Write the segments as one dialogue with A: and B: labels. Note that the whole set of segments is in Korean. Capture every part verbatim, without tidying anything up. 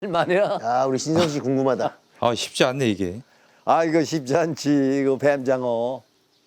A: 말이야.
B: 아, 우리 신성 씨 궁금하다.
C: 아 쉽지 않네 이게.
A: 아 이거 쉽지 않지. 이거 뱀장어.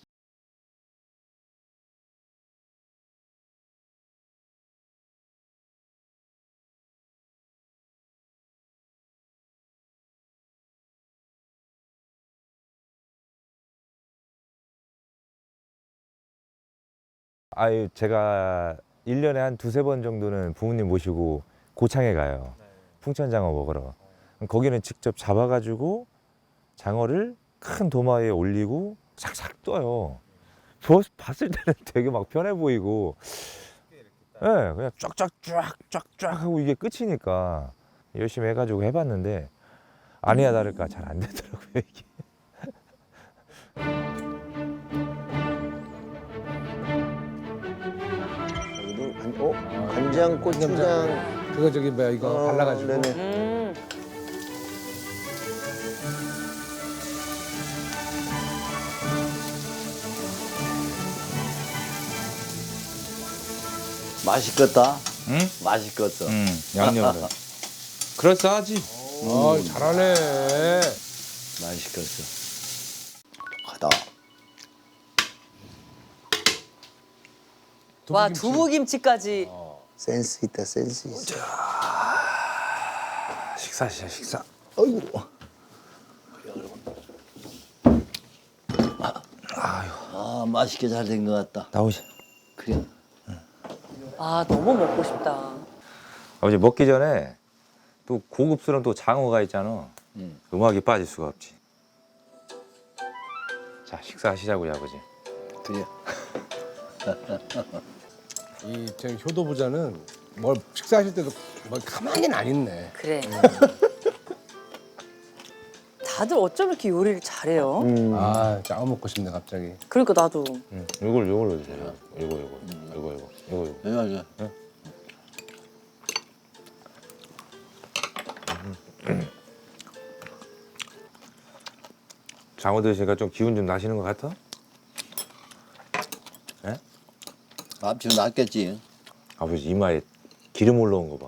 C: 아유 제가 일 년에 한 두세 번 정도는 부모님 모시고 고창에 가요. 풍천장어 먹으러. 거기는 직접 잡아가지고 장어를 큰 도마 위에 올리고 싹싹 떠요. 저 봤을 때는 되게 막 편해 보이고, 예, 네, 그냥 쫙쫙쫙쫙쫙 하고 이게 끝이니까 열심히 해가지고 해봤는데 아니야 다를까 잘 안 되더라고요 이게.
B: 여기도 간, 어? 간장, 고추장.
D: 그거 저기 뭐야 이거
B: 어,
D: 발라가지고.
B: 네네.
E: 음.
A: 맛있겠다.
C: 응?
A: 맛있겠어.
C: 응, 양념을. 그럴싸하지.
D: 아 잘하네.
A: 맛있겠어. 가다.
E: 와
D: 두부김치.
E: 두부김치까지.
B: 센스 있다, 센스 있어.
C: 식사 시작 식사.
B: 어이구.
A: 아 맛있게 잘 된 것 같다.
C: 나오시.
A: 그래.
E: 아 너무 먹고 싶다.
C: 아버지 먹기 전에 또 고급스러운 또 장어가 있잖아.
A: 음.
C: 음악이 빠질 수가 없지. 자 식사하시자고요 아버지.
A: 그래.
D: 이저 효도부자는 뭘 식사하실 때도 뭐 가만히는 안 있네.
E: 그래. 다들 어쩜 이렇게 요리를 잘해요?
B: 음.
D: 아 장어 먹고 싶네 갑자기.
E: 그러니까 나도.
C: 응. 이걸 이걸로 주세요. 이거 이거 이거 이거 이거 이거.
A: 네, 맞아.
C: 장어 드시니까 좀 기운 좀 나시는 것 같아? 예?
A: 앞치로 낫겠지.
C: 아버지 이마에 기름 올라온 거 봐.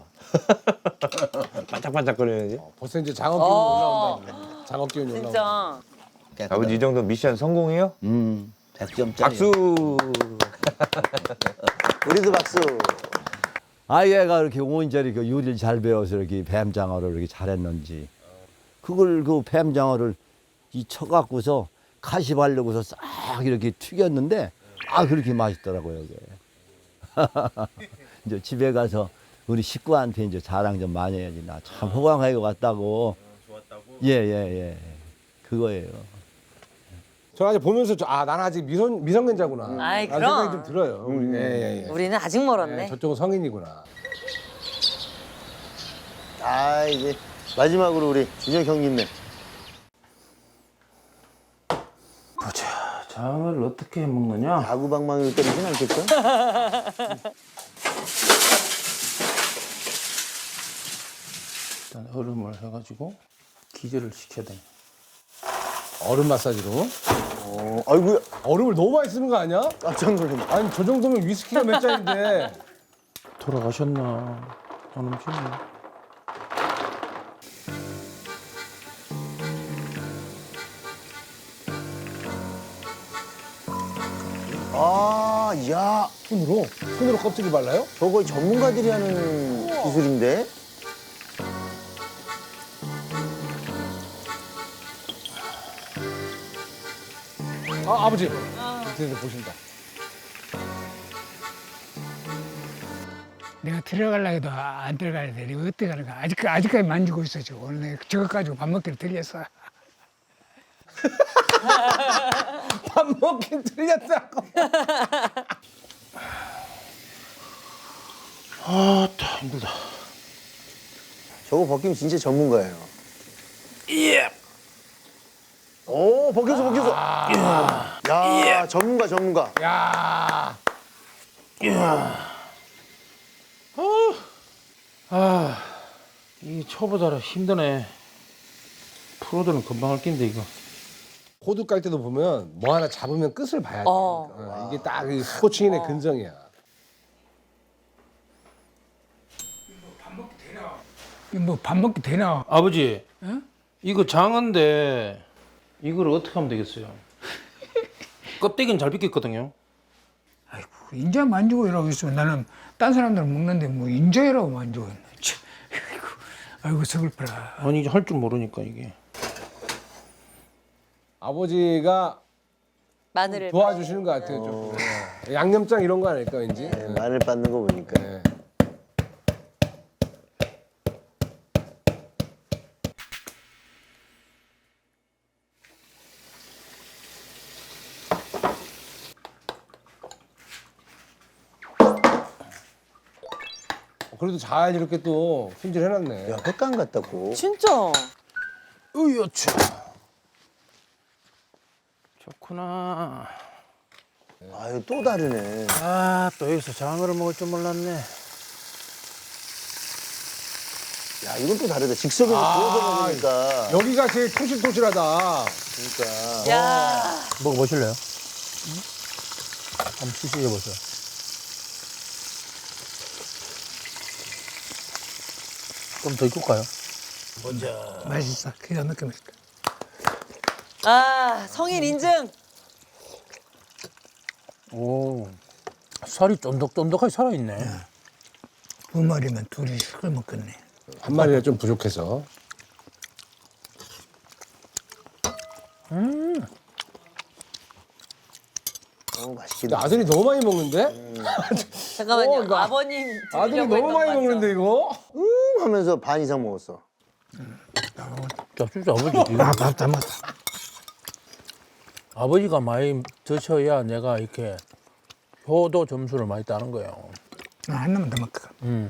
C: 반짝반짝거리는지.
D: 벌써 이제 장어 기운이
E: 어.
D: 올라온다. 장어 기운이 올라온다.
E: 진짜.
C: 아버지 이 정도 미션 성공이에요?
A: 음. 백 점짜리.
C: 박수.
B: 우리도 박수.
A: 아이가 이렇게 온전히 그 요리를 잘 배워서 이렇게 뱀장어를 이렇게 잘했는지 그걸 그 뱀장어를 이 쳐갖고서 가시 바르고서 싹 이렇게 튀겼는데 아 그렇게 맛있더라고요 이게. 이제 집에 가서 우리 식구한테 이제 자랑 좀 많이 해야지. 나 참 호강하게 왔다고. 좋았다고? 예예 예. 그거예요.
D: 저 아직 보면서 저, 아 나는 아직 미성 미성년자구나.
E: 아이,
D: 라는
E: 그럼.
D: 생각이 좀 들어요. 우리, 예, 예, 예.
E: 우리는 아직 멀었네.
D: 예, 저쪽은 성인이구나.
B: 아, 이제 마지막으로 우리 준혁 형님네.
F: 장을 어떻게 해 먹느냐?
B: 야구방망이로 때리진 않겠죠?
F: 일단 얼음을 해가지고 기절을 시켜야 돼.
D: 얼음 마사지로.
B: 어, 아이고야.
D: 얼음을 너무 많이 쓰는 거 아니야?
B: 깜짝 놀랐네.
D: 아니 저 정도면 위스키가 몇 잔인데.
F: 돌아가셨나? 안 오셨네.
B: 아, 야.
D: 손으로 손으로 껍질을 발라요?
B: 저거 전문가들이 하는 기술인데?
D: 아 아버지. 이제 보신다.
G: 내가 들어가려 해도 안 들어가야 돼. 이거 어떻게 가는가? 아직, 아직까지 만지고 있어, 지금. 오늘 내가 저거 가지고 밥 먹기로 들렸어.
D: 밥 먹긴 틀렸다고.
F: 아, 다 힘들다.
B: 저거 벗기면 진짜 전문가예요. 예. 오, 벗겼어, 벗겼어. 야, 전문가, 전문가.
D: 야.
F: 아, 이 초보자라 힘드네. 프로들은 금방 할 낀데 이거.
D: 호두 깔 때도 보면 뭐 하나 잡으면 끝을 봐야 돼.
E: 어.
D: 어, 이게 딱 이 스포츠인의 근성이야.
G: 뭐 밥 먹기 되나?
F: 아버지,
G: 응?
F: 이거 장어인데 이걸 어떻게 하면 되겠어요? 껍데기는 잘 비겠거든요.
G: 아이고 인자 만지고 이러고 있으면 나는 딴 사람들은 먹는데 뭐 인자이라고 만지고 있네. 참, 아이고 아이고 서글퍼라.
F: 아니 이제 할 줄 모르니까 이게.
D: 아버지가
E: 마늘을
D: 도와주시는 것 같아요. 좀. 네. 양념장 이런 거 아닐까 왠지.
B: 네, 마늘 빻는 거 보니까.
D: 네. 그래도 잘 이렇게 또 손질해놨네.
B: 야, 횟감 같다고.
E: 진짜.
F: 으여차. 좋구나.
B: 아유, 또 다르네.
F: 아, 또 여기서 장어를 먹을 줄 몰랐네.
B: 야, 이건 또 다르다. 즉석에서
D: 아,
B: 구워서 먹으니까.
D: 여기가 제일 토실토실하다.
B: 그러니까.
E: 야.
F: 먹어보실래요? 한번 시식해보세요. 좀 더 익을까요?
G: 맛있어. 기가 막혀 맛있다.
E: 아, 성인 인증.
F: 오, 살이 쫀득쫀득하게 살아있네.
G: 두 마리면 둘이 식을 먹겠네.
D: 한 마리가 좀 부족해서.
B: 어, 맛있긴
D: 근데
B: 해.
D: 아들이 너무 많이 먹는데?
E: 잠깐만요.
D: 어, 이거
E: 아버님
D: 아들이
E: 드리려고
D: 너무
E: 했던 거
D: 많이
E: 맞죠?
D: 먹는데 이거?
B: 음 하면서 반 이상 먹었어.
F: 자, 진짜 아버지. 이거
G: 아밥 다 먹었다.
F: 아버지가 많이 드셔야 내가 이렇게 효도 점수를 많이 따는 거예요.
G: 나 하나만 더 먹을까.
F: 음.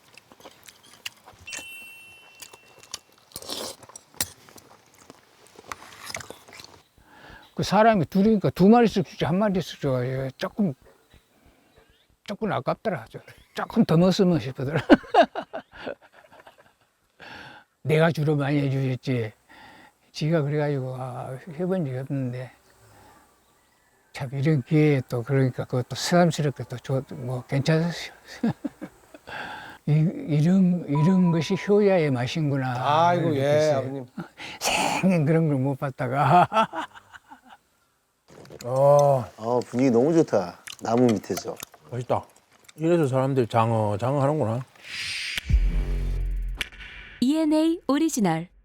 G: 그 사람이 둘이니까 두 마리씩 주지 한 마리씩 줘. 조금 조금 아깝더라. 저. 조금 더 먹었으면 싶더라. 내가 주로 많이 해주셨지. 지가 그래가지고 아, 해본 적이 없는데 참 이런 기회에 또 그러니까 그것도 새삼스럽게 또뭐 괜찮았어요. 이, 이런 이런 것이 효야의 맛인구나.
D: 아이고, 예,
G: 그랬어요.
D: 아버님.
G: 생전 그런 걸 못 봤다가
F: 아,
B: 아, 분위기 너무 좋다. 나무 밑에서.
F: 맛있다. 이래서 사람들이 장어, 장어 하는구나.
H: 이엔에이 오리지널